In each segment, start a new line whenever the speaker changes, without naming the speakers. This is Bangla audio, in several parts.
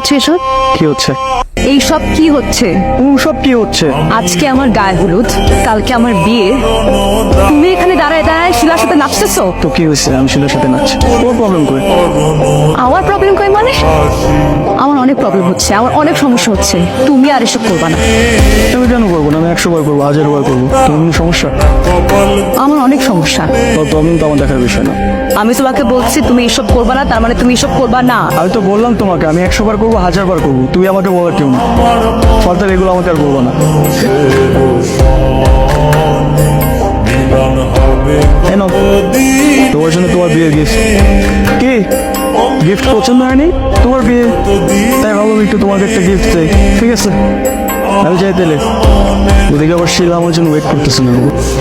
হচ্ছে এসব?
কি হচ্ছে?
এইসব কি হচ্ছে?
সব কি হচ্ছে?
আজকে আমার গায়ে হলুদ, কালকে আমার বিয়ে, তুমি এখানে দাঁড়ায় দাঁড়ায় শিলার সাথে নাচতেছো।
তো কি হয়েছে? আমি শিলার সাথে নাচছি, তোমার প্রবলেম করে?
আমার প্রবলেম কই মানে? আমার অনেক প্রবলেম হচ্ছে, আমার অনেক সমস্যা হচ্ছে। তুমি আর এসব করবা না।
আমি কেন করবো না? আমি 100 বার করবো, 1000 বার করবো। তোমার কোনো সমস্যা?
আমার অনেক সমস্যা।
প্রবলেম তো আমার দেখার বিষয় না।
আমি তোমাকে বলছি তুমি এসব করবা না, তার মানে তুমি এসব করবা না।
আমি তো বললাম তোমাকে আমি 100 বার করবো, 1000 বার করবো। তুমি আমাকে বলার কেউ না। ফার্দার এগুলো আমাকে আর বলবো না। এই নাও, তোমার জন্য তোমার বিয়ের গিফট। কি গিফট পছন্দ হয়নি? তোমার বিয়ে, তাই ভাবলাম একটু তোমাকে একটা গিফট চাই। ঠিক আছে, আমি যাই তাহলে। ওদিকে আবার শিলা আমার জন্য ওয়েট করতেছে না।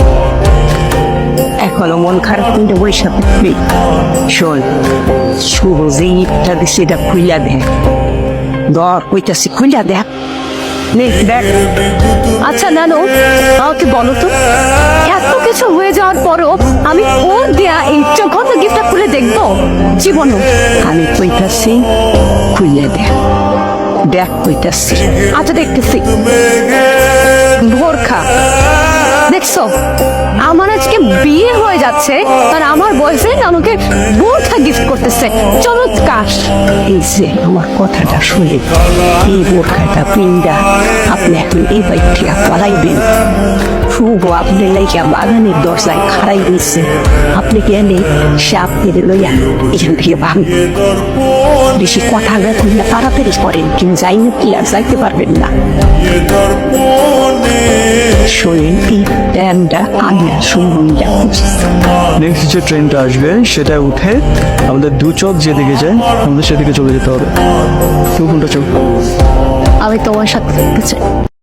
এখনো মন খারাপ কিন্তু বৈশা থাকবি। শোন, শুভ যে ইটটা দিছে এটা খুইলা দেখ। দর কইতাছি খুইলা দেখ। নে দেখ।
আচ্ছা নানু, আমাকে বলো তো, এত কিছু হয়ে যাওয়ার পরও আমি ওর দেয়া এই চকত গিফটটা খুলে দেখবো? জীবনও
আমি কইতাছি খুইলা দেখ। দেখ কইতাছি।
আচ্ছা দেখতেছি। ভোরখা, দেখছো আমার আজকে বিয়ে হয়ে যাচ্ছে আর আমার বয়ফ্রেন্ড আমাকে বোরখা গিফট করতেছে। চমৎকার।
এই যে আমার কথাটা শুনে এই বোরখাটা পিন্ডা আপনি এখন এই বাইকটা পালাইবেন। শুভ আপনি লাইকা বাগানের দরজায় খাড়াই দিচ্ছে। আপনি গেলে সে আপনি লইয়া এখান থেকে ভাঙ। বেশি কথা না কইলে তাড়াতাড়ি করেন, কিন্তু যাই না কি আর যাইতে পারবেন না। শোনেন এই ট্যানটা আমি শুনবো।
নেক্সট যে ট্রেনটা আসবে সেটা উঠে আমাদের দু চোখ যেদিকে যায় আমাদের সেদিকে চলে যেতে হবে। তুই কোনটা চোখ?
আমি তোমার সাথে থাকতে চাই।